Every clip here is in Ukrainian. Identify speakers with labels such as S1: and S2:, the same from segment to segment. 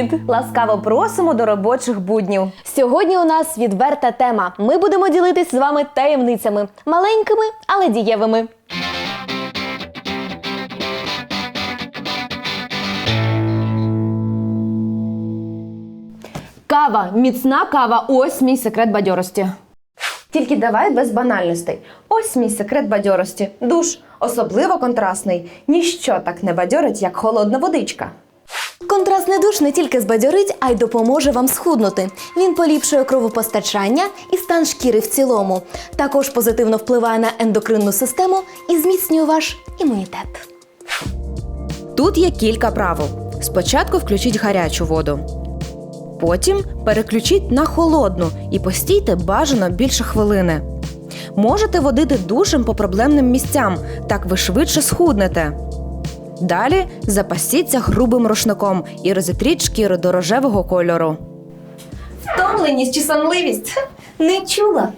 S1: Привіт! Ласкаво просимо до робочих буднів.
S2: Сьогодні у нас відверта тема. Ми будемо ділитись з вами таємницями. Маленькими, але дієвими. Кава, міцна кава – ось мій секрет бадьорості.
S1: Тільки давай без банальностей. Ось мій секрет бадьорості. Душ. Особливо контрастний. Ніщо так не бадьорить, як холодна водичка.
S2: Контрастний душ не тільки збадьорить, а й допоможе вам схуднути. Він поліпшує кровопостачання і стан шкіри в цілому. Також позитивно впливає на ендокринну систему і зміцнює ваш імунітет.
S3: Тут є кілька правил. Спочатку включіть гарячу воду. Потім переключіть на холодну і постійте бажано більше хвилини. Можете водити душем по проблемним місцям, так ви швидше схуднете. Далі запасіться грубим рушником і розітріть шкіру до рожевого кольору.
S1: Втомленість чи сонливість? Не чула.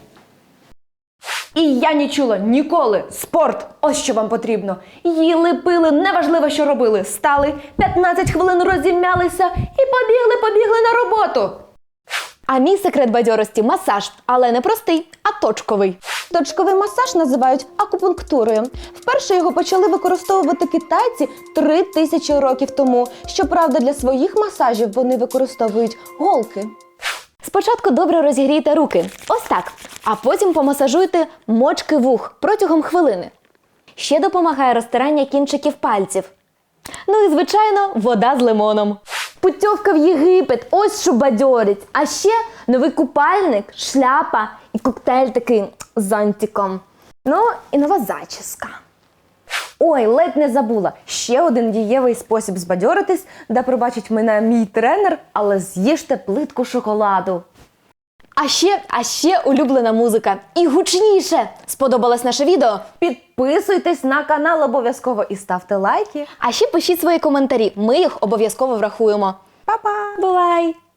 S2: І я не чула ніколи. Спорт! Ось що вам потрібно. Їли, пили, неважливо, що робили. Стали, 15 хвилин розім'ялися і побігли на роботу. А мій секрет бадьорості – масаж. Але не простий, а точковий. Точковий масаж називають акупунктурою. Вперше його почали використовувати китайці 3000 років тому. Щоправда, для своїх масажів вони використовують голки. Спочатку добре розігрійте руки, ось так, а потім помасажуйте мочки вух протягом хвилини. Ще допомагає розтирання кінчиків пальців. Ну і, звичайно, вода з лимоном. Путівка в Єгипет, ось що бадьорить. А ще новий купальник, шляпа і коктейль такий з зонтиком. Ну і нова зачіска.
S1: Ой, ледь не забула. Ще один дієвий спосіб збадьоритись, де пробачить мене мій тренер, але з'їжте плитку шоколаду.
S2: А ще улюблена музика. І гучніше! Сподобалось наше відео?
S1: Підписуйтесь на канал обов'язково і ставте лайки.
S2: А ще пишіть свої коментарі, ми їх обов'язково врахуємо.
S1: Па-па!
S2: Бувай!